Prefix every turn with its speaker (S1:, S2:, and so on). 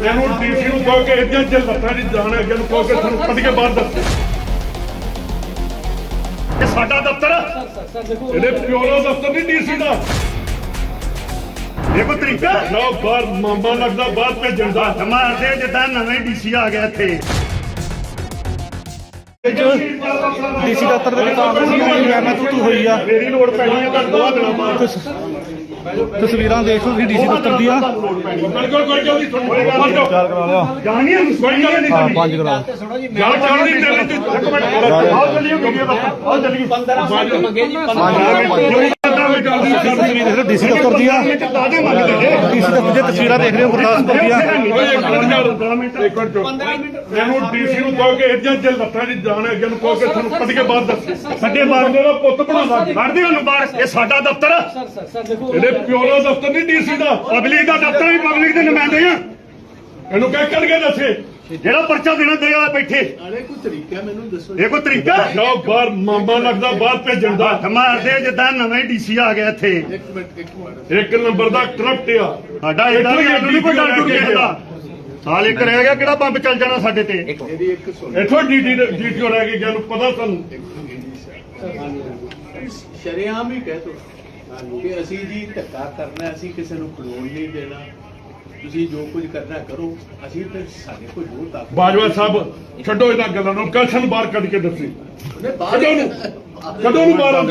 S1: ਇਹਨੂੰ ਡੀਸੀ ਨੂੰ ਕਹੋ ਕਿ ਇਹਦੀਆਂ ਜੇ ਲੱਤਾਂ ਦੀ ਜਾਣ ਅੱਗੇ ਨੂੰ ਕਹੋ ਕਿ ਤੁਹਾਨੂੰ ਕੱਢ ਕੇ ਬਾਹਰ ਦੱਸ। ਇਹ ਸਾਡਾ ਦਫ਼ਤਰ ਇਹਦੇ ਪਿਓ ਦਾ ਦਫ਼ਤਰ ਨਹੀਂ ਡੀਸੀ ਦਾ। ਇਹ ਕੋਈ ਤਰੀਕਾ ਨਾ ਬਾਹਰ ਮਾਮਾ ਲੱਗਦਾ ਬਾਹਰ ਭੇਜਣ ਦਾ। ਮਾਰਦੇ ਜਿੱਦਾਂ ਨਵੇਂ ਡੀਸੀ ਆ ਗਿਆ ਇੱਥੇ।
S2: ਡੀਸੀ ਦਫ਼ਤਰ ਦੇ ਵਿੱਚ ਕਾਂਗਰਸੀ ਮੈਂ ਤੂੰ ਹੋਈ ਆ।
S1: ਮੇਰੀ ਲੋੜ ਪੈਣੀ ਹੈ ਤਾਂ 2 ਦਿਨਾਂ ਬਾਅਦ।
S2: ਤਸਵੀਰਾਂ ਦੇਖ ਲਓ ਤੁਸੀਂ ਡੀਸੀ ਦਫ਼ਤਰ ਦੀਆਂ।
S1: ਬਿਲਕੁਲ ਕੋਈ ਜਲਦੀ ਤੁਹਾਨੂੰ
S2: ਚਾਰ ਕਰਾ ਲਿਆ।
S1: ਜਾਣੀ ਹੈ ਕੋਈ ਗੱਲ ਨਹੀਂ।
S2: ਹਾਂ 5 ਕਰਾ।
S1: ਗੱਲ ਚੱਲਦੀ ਚੱਲਦੀ ਇੱਕ ਮਿੰਟ ਆਓ ਚੱਲੀਏ ਵੀਡੀਓ ਦਾ ਆਓ ਚੱਲੀਏ 15 ਮਿੰਟ ਮੰਗੇ ਜੀ 15 ਮਿੰਟ
S2: ਡੀਸੀ ਦਫ਼ਤਰ ਦੀਆਂ। ਡੀਸੀ ਦਫ਼ਤਰ ਦੀਆਂ ਤਸਵੀਰਾਂ ਦੇਖ ਰਹੇ ਹੋ ਗੁਰਦਾਸਪੁਰ ਦੀਆਂ।
S1: ਮੈਨੂੰ ਡੀਸੀ ਨੂੰ ਕਹੋ ਕਿ ਇਹਦੀਆਂ ਜੇ ਲੱਤਾਂ ਦੀ ਜਾਣ ਅੱਗੇ ਨੂੰ ਕਹੋ ਕਿ ਤੁਹਾਨੂੰ ਕੱਢ ਕੇ ਬਾਹਰ ਦੱਸ। ਸਾਡੇ ਮਾਰਦੇ ਦਾ ਪੁੱਤ ਬਣਾਉਂਦਾ ਕੱਢਦੇ ਉਹਨੂੰ ਬਾਹਰ। ਇਹ ਸਾਡਾ ਦਫ਼ਤਰ ਇਹਦੇ ਪਿਓ ਦਾ ਦਫ਼ਤਰ ਨਹੀਂ ਡੀਸੀ ਦਾ। ਪਬਲਿਕ ਦਾ ਦਫ਼ਤਰ ਵੀ ਪਬਲਿਕ ਦੇ ਨੁਮਾਇੰਦੇ ਆ। ਇਹਨੂੰ ਕਹਿ ਕੱਢ ਕੇ ਦੱਸੇ ਜਿਹੜਾ ਪਰਚਾ ਦੇਣਾ ਦੇਗਾ ਬੈਠੇ।
S3: ਕੋਈ ਤਰੀਕਾ ਮੈਨੂੰ ਦੱਸੋ।
S1: ਇਹ ਕੋਈ ਤਰੀਕਾ ਨਾ ਬਾਹਰ ਮਾਮਾ ਲੱਗਦਾ ਬਾਹਰ ਭੇਜਣ ਦਾ। ਮਾਰਦੇ ਜਿੱਦਾਂ ਨਵੇਂ ਡੀਸੀ ਆ ਗਿਆ ਇੱਥੇ।
S3: ਇੱਕ ਮਿੰਟ
S1: ਇੱਕ ਨੰਬਰ ਦਾ ਕਰਪਟ ਆ ਸਾਡਾ। ਇਹਦਾ ਵੀ ਨਹੀਂ ਕੋਈ ਡਰ ਟੁੱਟ ਗਿਆ। ਸਾਲ ਇੱਕ ਰਹਿ ਗਿਆ ਕਿਹੜਾ ਬੰਬ ਚੱਲ ਜਾਣਾ ਸਾਡੇ ਤੇ।
S3: ਮੇਰੀ ਇੱਕ ਸੁਣ।
S1: ਇੱਥੋਂ ਡੀਟੀਓ ਰਹਿ ਗਈ ਜਾਨੂੰ ਪਤਾ ਸਾਨੂੰ।
S3: ਸ਼ਰੇਆਮ ਹੀ ਕਹਿ ਤੋ ਕਿ ਅਸੀਂ ਜੀ ਧੱਕਾ ਕਰਨਾ, ਅਸੀਂ ਕਿਸੇ ਨੂੰ ਖਲੋਣ ਨਹੀਂ ਦੇਣਾ। ਤੁਸੀਂ ਜੋ ਕੁਝ ਕਰਨਾ ਕਰੋ, ਅਸੀਂ ਤੇ ਸਾਡੇ ਕੋਲ ਜੋ ਤਾਕਤ।
S1: ਬਾਜਵਾ ਸਾਹਿਬ ਛੱਡੋ ਇਹਨਾਂ ਗੱਲਾਂ ਨੂੰ। ਕਲਸ਼ਨ ਬਾਹਰ ਕੱਢ ਕੇ ਦੱਸੀ
S3: ਉਹਨੇ ਬਾਹਰ
S1: ਕਦੋਂ ਨੂੰ ਬਾਹਰ